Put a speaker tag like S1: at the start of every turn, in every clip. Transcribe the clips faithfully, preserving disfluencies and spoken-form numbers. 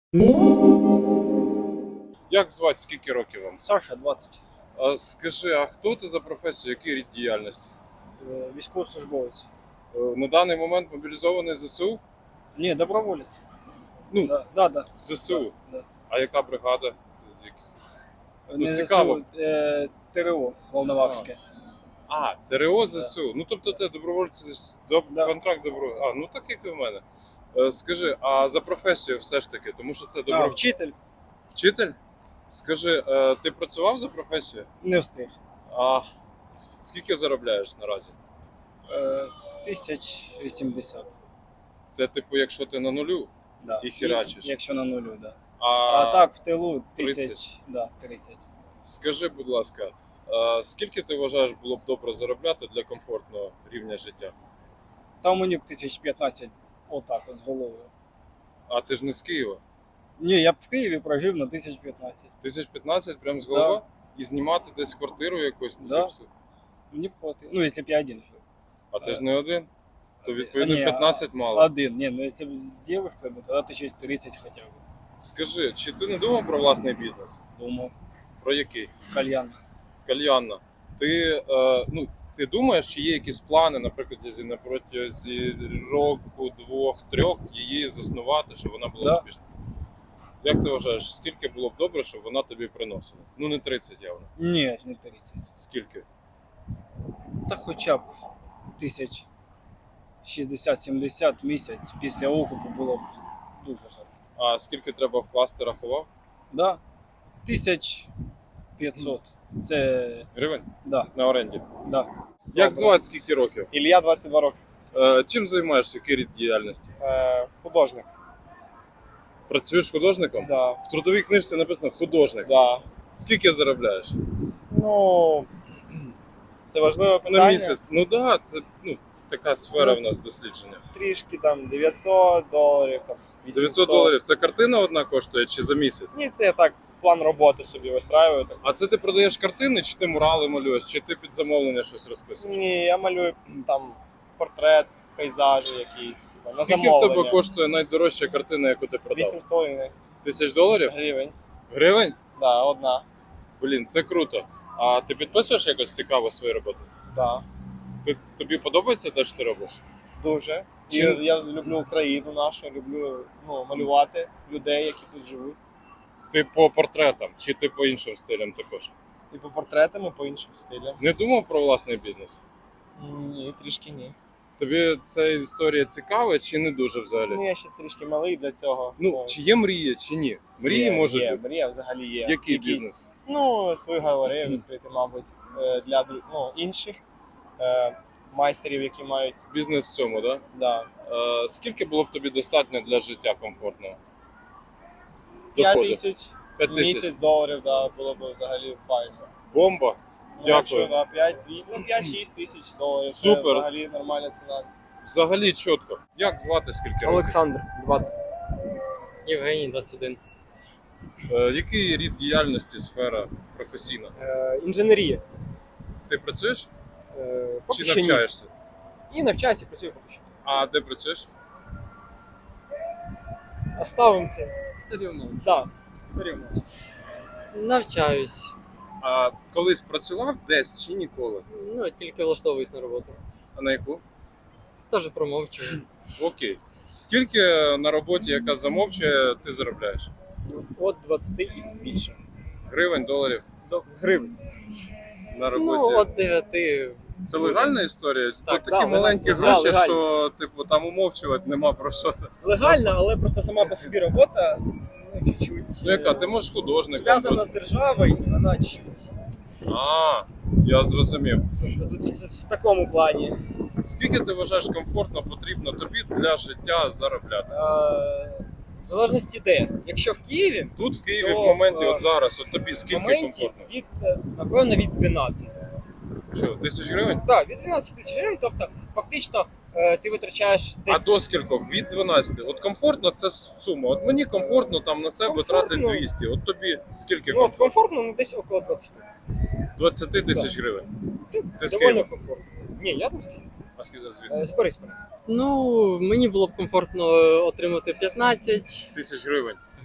S1: Як звати, скільки років вам?
S2: Саша, двадцять.
S1: А скажи, а хто ти за професію, який рід діяльності?
S2: Е, Військовослужбовець.
S1: Е, На даний момент мобілізований ЗСУ?
S2: Ні, доброволець.
S1: Ну,
S2: Да, да, да.
S1: в ЗСУ.
S2: Да.
S1: А яка бригада? Як- Ну,
S2: Не
S1: цікаво.
S2: ЗСУ, е, ТРО Волновахське.
S1: А, ТРО ЗСУ. Ну, тобто ти добровольці, з- до,
S2: Да.
S1: контракт добро... А, ну так як і в мене. Е, Скажи, а за професію все ж таки, тому що це
S2: А,
S1: добро...
S2: вчитель
S1: вчитель? Скажи, е, ти працював за професію?
S2: не встиг.
S1: А скільки заробляєш наразі?
S2: Е, Тисяч вісімдесят.
S1: Це типу, якщо ти на нулю,
S2: Да.
S1: І херачиш.
S2: Якщо на нулю, да.
S1: а,
S2: А, так, в тилу
S1: тридцять.
S2: тисяч, да, тридцять.
S1: Скажи, будь ласка, е, скільки ти вважаєш було б добре заробляти для комфортного рівня життя?
S2: Там мені б тисяч п'ятнадцять отак от з головою.
S1: А ти ж не з Києва.
S2: Ні, я б в Києві прожив на тисяч п'ятнадцять.
S1: Тисяч п'ятнадцять прям з
S2: Да.
S1: голови? І знімати десь квартиру якусь? тобі
S2: Да.
S1: все?
S2: Мені б хватило. Ну, якщо б я один жив.
S1: А ти ж не один? То відповідно
S2: Ні,
S1: п'ятнадцять мало.
S2: Один. Ні, ну якщо б з дівчинкою, тоді тисяч тридцять хоча б.
S1: Скажи, чи ти не думав про власний бізнес?
S2: Думав.
S1: Про який?
S2: Кальян.
S1: Кальянна. Ти, е, ну, ти думаєш, чи є якісь плани, наприклад, якщо на протязі року, двох, трьох її заснувати, щоб вона була
S2: Да.
S1: успішна? Як ти вважаєш, скільки було б добре, щоб вона тобі приносила? Ну не тридцять явно.
S2: Ні, не тридцять.
S1: Скільки?
S2: Та хоча б тисяч шістдесят-сімдесят в місяць після окупу було б дуже гарно.
S1: А скільки треба вкласти, рахував?
S2: Да? Тисяч п'ятсот. Це.
S1: Гривень?
S2: Да,
S1: На оренді.
S2: да.
S1: Як звати, скільки років?
S3: Ілля, двадцять два роки.
S1: Е, чим займаєшся, який рід діяльності?
S3: Е, художник.
S1: Працюєш художником?
S3: Да.
S1: В трудовій книжці написано художник.
S3: Да.
S1: Скільки заробляєш?
S3: Ну, це важливе
S1: На
S3: питання.
S1: місяць? Ну так, да, це ну, така сфера
S3: Ну,
S1: в нас дослідження.
S3: Трішки там дев'ятсот доларів, там вісімсот.
S1: дев'ятсот доларів. Це картина одна коштує чи за місяць?
S3: Ні, це я так план роботи собі вистраюю. Так.
S1: А це ти продаєш картини, чи ти мурали малюєш, чи ти під замовлення щось розписуєш?
S3: Ні, я малюю там портрет, пейзажі якісь. Типу, на
S1: Скільки в
S3: замовлення.
S1: тебе коштує найдорожча картина, яку ти продав?
S3: Вісім з половиною
S1: Тисяч доларів?
S3: гривень.
S1: Гривень?
S3: Да, одна.
S1: Блін, це круто. А ти підписуєш якось цікаво свої роботи?
S3: Да.
S1: Ти, тобі подобається те, що ти робиш?
S3: Дуже. І
S1: Чим?
S3: я люблю Україну нашу, люблю ну, малювати людей, які тут живуть.
S1: Ти по портретам, чи ти по іншим стилям також?
S3: І по портретам, і по іншим стилям.
S1: Не думав про власний бізнес?
S3: Ні, трішки ні.
S1: Тобі ця історія цікава чи не дуже взагалі?
S3: Ну, я ще трішки малий для цього.
S1: Ну, чи є мрія, чи ні? Мрії
S3: є,
S1: може
S3: є,
S1: бути.
S3: мрія взагалі є.
S1: Який
S3: Якісь,
S1: бізнес?
S3: Ну, свою галерею відкрити, мабуть, е, для дру- ну, інших е, майстерів, які мають.
S1: Бізнес в цьому, так?
S3: Да.
S1: Да? Е, скільки було б тобі достатньо для життя комфортного?
S3: п'ять
S1: Доходу?
S3: тисяч
S1: П'ять тисяч.
S3: місяць доларів, да, було б взагалі файно.
S1: Бомба.
S3: Ну,
S1: Дякую.
S3: якщо, да, п'ять, ну, п'ять-шість тисяч доларів.
S1: Супер.
S3: Це взагалі нормальна ціна.
S1: Взагалі чітко. Як звати, скільки років?
S4: Олександр, двадцять.
S5: Євгеній, двадцять один.
S1: Е, який рід діяльності, сфера професійна?
S4: Е, інженерія.
S1: Ти працюєш
S4: Е, поки
S1: чи
S4: що ні.
S1: навчаєшся?
S4: І навчаюся, працюю поки що.
S1: А де працюєш?
S4: Оставимо це.
S5: Серйозно.
S4: Да, старівно.
S5: Навчаюсь.
S1: А колись працював десь чи ніколи?
S5: Ну, тільки влаштовуюсь на роботу.
S1: А на яку?
S5: Теж промовчую.
S1: Окей. Скільки на роботі, яка замовчує, ти заробляєш?
S4: От двадцять і більше.
S1: Гривень, доларів
S4: До гривень.
S1: на роботі?
S5: Ну, от дев'яти.
S1: Це легальна історія?
S5: Так,
S1: Тут такі
S4: да,
S1: маленькі
S4: легально.
S1: гроші,
S4: Да, легально.
S1: що типу там умовчувати нема про що.
S4: Легально, але просто сама по собі робота, ну, чуть-чуть.
S1: Ну яка, ти можеш художником
S4: зв'язана
S1: бути.
S4: з державою, і вона чуть.
S1: А, я зрозумів.
S4: Тобто тут в, в такому плані.
S1: Скільки ти вважаєш комфортно потрібно тобі для життя заробляти?
S4: Е, в залежності де. Якщо в Києві,
S1: Тут в Києві
S4: То,
S1: в моменті,
S4: е,
S1: от зараз, от тобі
S4: в
S1: скільки
S4: моменті
S1: комфортно?
S4: від, е, напевно, від дванадцяти.
S1: Що, тисяч гривень?
S4: Так, від дванадцяти тисяч гривень, тобто фактично е, ти витрачаєш десь.
S1: А до скількох? Від дванадцяти. От комфортно це сума. От мені комфортно там на себе
S4: Комфортно.
S1: тратити двісті. От тобі скільки
S4: Ну,
S1: комфортно?
S4: комфортно, ну десь около двадцяти.
S1: двадцять тисяч гривень. Ти з
S4: Доволі
S1: Києва?
S4: комфортно. Ні, я не з Києва.
S1: А скільки звідки?
S4: Е, З Борисполя.
S5: Ну, мені було б комфортно отримати п'ятнадцять
S1: Тисяч гривень.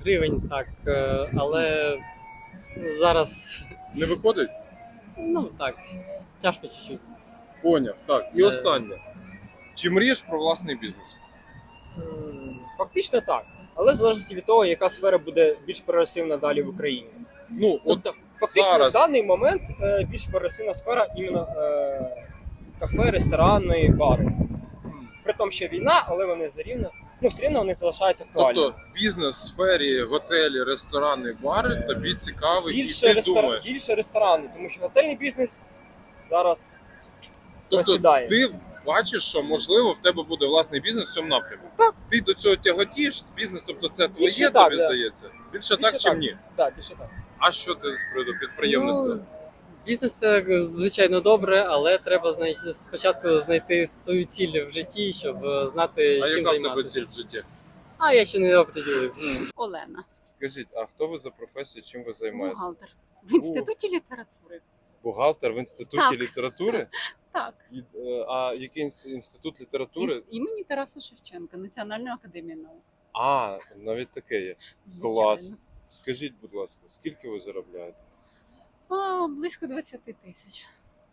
S5: гривень, так. е, Але зараз,
S1: Не виходить?
S5: ну так, тяжко чуть-чуть.
S1: Поняв. Так. І
S5: Е.
S1: останнє. Чи мрієш про власний бізнес?
S4: М, Фактично так. Але в залежності від того, яка сфера буде більш прогресивна далі в Україні.
S1: Ну, от
S4: Тобто, фактично
S1: зараз.
S4: в даний момент е, більш прогресивна сфера іменно е, кафе, ресторани, бари. При тому, що війна, але вони все рівно, ну все рівно вони залишаються актуальними.
S1: Тобто бізнес в сфері готелі, ресторани, бари тобі цікавий,
S4: більше,
S1: і ти
S4: рестор...
S1: думаєш.
S4: більше ресторани, тому що готельний бізнес зараз
S1: Тобто
S4: просідає.
S1: ти бачиш, що можливо в тебе буде власний бізнес в цьому напрямку. Так. Ти до цього тяготієш, бізнес, тобто це твоє,
S4: Більше так,
S1: тобі
S4: да.
S1: здається. Більше,
S4: Більше
S1: так, чим
S4: так.
S1: ні.
S4: Так, більше так.
S1: А що ти з приводу підприємництва?
S5: Ну, бізнес це звичайно добре, але треба знайти спочатку знайти свою ціль в житті, щоб е, знати,
S1: а
S5: чим
S1: яка в тебе
S5: займатися.
S1: ціль в житті?
S5: А я ще не оприділився.
S6: Олена,
S1: Скажіть, а хто ви за професією, чим ви займаєтесь?
S6: бухгалтер в інституті літератури.
S1: Бухгалтер в інституті
S6: Так.
S1: літератури?
S6: Так,
S1: І, е, А який інс- інститут літератури?
S6: Ін- імені Тараса Шевченка, Національної академії наук.
S1: А, навіть таке є.
S6: Звичайно.
S1: Клас. Скажіть, будь ласка, скільки ви заробляєте?
S6: А, близько двадцять тисяч.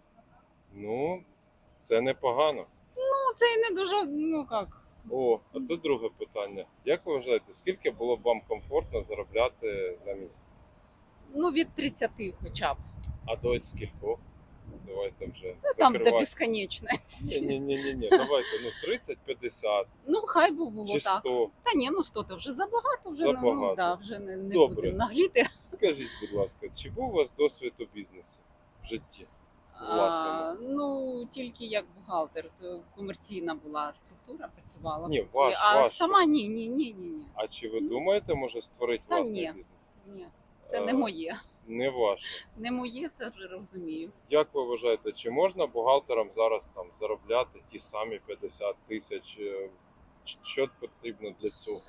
S1: Ну, це непогано.
S6: Ну, це і не дуже, ну як.
S1: О, а це друге питання. Як ви вважаєте, скільки було б вам комфортно заробляти на місяць?
S6: Ну, від тридцяти хоча б.
S1: А до скількох? Давайте вже
S6: Ну, там до
S1: закривати.
S6: безконечності.
S1: Ні, ні, ні, ні, давайте, ну тридцять, п'ятдесят
S6: Ну, хай би було
S1: чи
S6: так.
S1: сто.
S6: Та ні, ну сто то вже забагато, вже,
S1: Забагато.
S6: Ну, да, вже не, не
S1: Добре.
S6: будемо нагліти.
S1: Скажіть, будь ласка, чи був у вас досвід у бізнесі в житті? Власному?
S6: А, ну, тільки як бухгалтер, то комерційна була структура, працювала.
S1: Ні,
S6: поки.
S1: ваш,
S6: а
S1: ваш.
S6: сама ні, ні, ні, ні, ні.
S1: А чи ви думаєте, може створити
S6: Та
S1: власний
S6: ні.
S1: бізнес?
S6: Ні, це
S1: Е,
S6: не моє.
S1: Не ваше.
S6: Не моє, це вже розумію.
S1: Як ви вважаєте, чи можна бухгалтерам зараз там заробляти ті самі п'ятдесят тисяч? Е, Що потрібно для цього?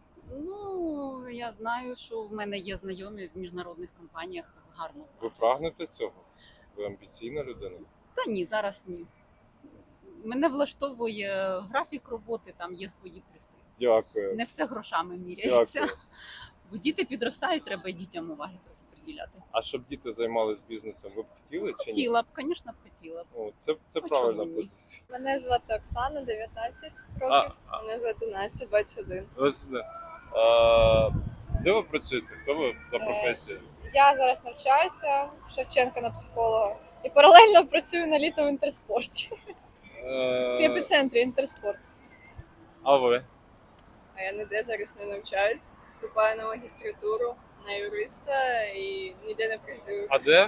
S6: Ну, я знаю, що в мене є знайомі в міжнародних компаніях гарно.
S1: Ви прагнете цього? Ви амбіційна людина?
S6: Та ні, зараз ні. Мене влаштовує графік роботи, там є свої плюси.
S1: Дякую.
S6: Не все грошами міряється.
S1: Дякую.
S6: Бо діти підростають, треба і дітям уваги трохи приділяти.
S1: А щоб діти займалися бізнесом, ви б хотіли чи ні?
S6: Хотіла б, звісно, б хотіла б.
S1: О, це це
S6: А
S1: правильна
S6: чому ні?
S1: позиція.
S7: Мене звати Оксана, дев'ятнадцять
S1: А,
S7: років.
S1: а,
S7: Мене звати Настя, двадцять один.
S1: ось, да. А, де ви працюєте? Хто ви за
S7: Е,
S1: професією?
S7: Я зараз навчаюся в Шевченка на психолога і паралельно працюю на літо в інтерспорті. В
S1: Е,
S7: епіцентрі інтерспорт.
S1: а ви?
S7: А я ніде зараз не навчаюсь. Вступаю на магістратуру на юриста і ніде не працюю.
S1: А де?
S7: Е,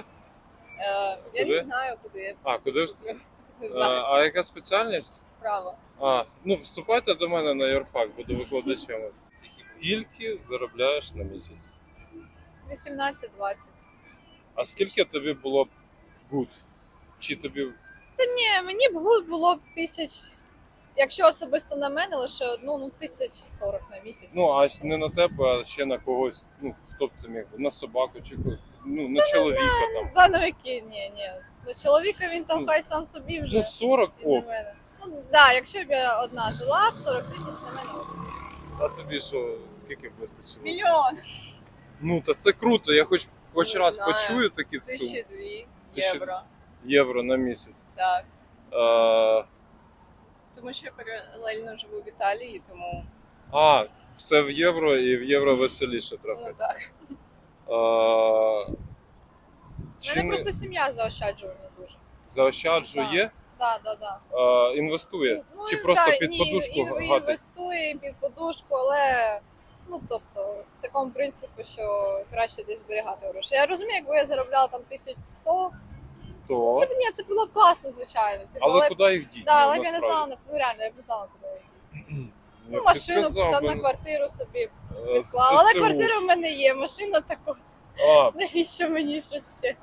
S7: я
S1: куди?
S7: не знаю, куди я
S1: А, куди?
S7: поступлю. Не
S1: А,
S7: знаю.
S1: а яка спеціальність?
S7: Право.
S1: А, ну вступайте до мене на юрфак, буду викладачем. Скільки заробляєш на місяць?
S7: вісімнадцять-двадцять.
S1: А скільки тобі було б good? Чи тобі
S7: Ні, мені б гуд було б тисяч. Якщо особисто на мене, лише одну, ну тисяч сорок на місяць.
S1: ну а не на тебе, а ще на когось? Ну хто б це міг бути? На собаку чи ко- ну на чоловіка там?
S7: Да, новики, ні, ні. На чоловіка він там
S1: Ну,
S7: хай сам собі вже.
S1: Ну сорок
S7: і на
S1: ок.
S7: мене. Ну да, якщо б я одна жила, б сорок тисяч на мене. ок.
S1: А тобі що, скільки б вистачило?
S7: Мільйон.
S1: Ну та це круто. Я хоч хоч
S7: Не
S1: раз
S7: знаю.
S1: почую такі суми.
S7: Тисячі дві
S1: Тисячі-
S7: євро.
S1: Євро на місяць.
S7: Так.
S1: А,
S7: Тому що я паралельно живу в Італії, тому
S1: а, все в євро і в євро веселіше трохи.
S7: ну так.
S1: А,
S7: У
S1: чи
S7: мене
S1: не
S7: просто сім'я заощаджує не дуже.
S1: заощаджує,
S7: Так, так, так.
S1: а, інвестує?
S7: Ну,
S1: Чи
S7: і
S1: просто
S7: так,
S1: під
S7: ні,
S1: подушку
S7: і, і
S1: гатить?
S7: інвестує під подушку, але ну тобто з такому принципу, що краще десь зберігати гроші. Я розумію, якби я заробляла там тисяч сто,
S1: То.
S7: це б ні, це було б класно, звичайно. Типу,
S1: Але куди їх діти?
S7: да, але б я не знала, ну реально, я б не знала, куди я їду. Ну, машину б там на квартиру собі
S1: Е,
S7: відклала. Але квартира в мене є, машина також.
S1: А,
S7: Навіщо мені щось ще?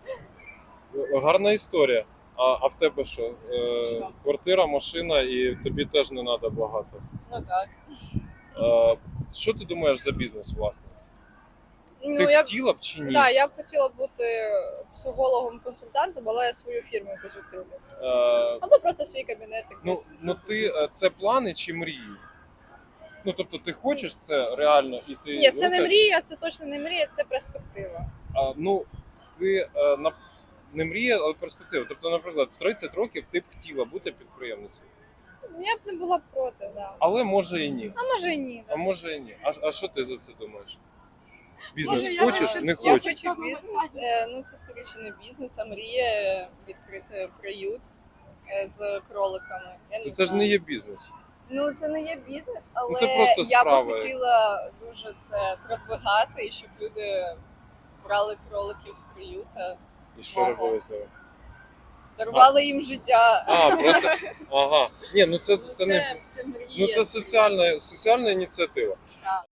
S1: гарна історія. А, а в тебе що? Е,
S7: Що?
S1: Квартира, машина і тобі теж не треба багато.
S7: Ну так.
S1: Е, що ти думаєш за бізнес, власне?
S7: Ну,
S1: ти
S7: я б,
S1: хотіла б чи ні?
S7: да, я б хотіла бути психологом-консультантом, але свою фірму якусь відкрити.
S1: Е,
S7: Або просто свій кабінет
S1: ну,
S7: якийсь.
S1: ну ти е, це плани чи мрії? Ну тобто, ти хочеш це реально, і ти
S7: Ні, це не
S1: рухаєшся?
S7: мрія, це точно не мрія, це перспектива.
S1: А, ну, ти е, на не мрія, але перспектива. Тобто, наприклад, в тридцять років ти б хотіла бути підприємницею,
S7: Я б не була проти, да.
S1: але може і ні.
S7: А може і ні.
S1: А може і ні. А, а що ти за це думаєш? Бізнес
S7: Може, я
S1: хочеш,
S7: хочу-
S1: не
S8: Я
S1: хочеш?
S8: хочу бізнес. е, Ну це скоріше не бізнес, а мрія відкрити приют е, з кроликами. Я не
S1: То це ж
S8: знаю.
S1: не є бізнес.
S8: Ну це не є бізнес, але
S1: це просто
S8: я
S1: справа.
S8: би хотіла дуже це продвигати, і щоб люди брали кроликів з приюта,
S1: І що
S8: Ага.
S1: робили з ними?
S8: дарували їм життя.
S1: А, просто. Ага. Ні, ну це,
S8: Ну,
S1: це не.
S8: це, це мрія.
S1: Ну це соціальна, соціальна ініціатива.
S8: Так.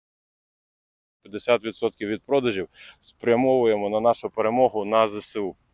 S1: п'ятдесят відсотків від продажів спрямовуємо на нашу перемогу на ЗСУ.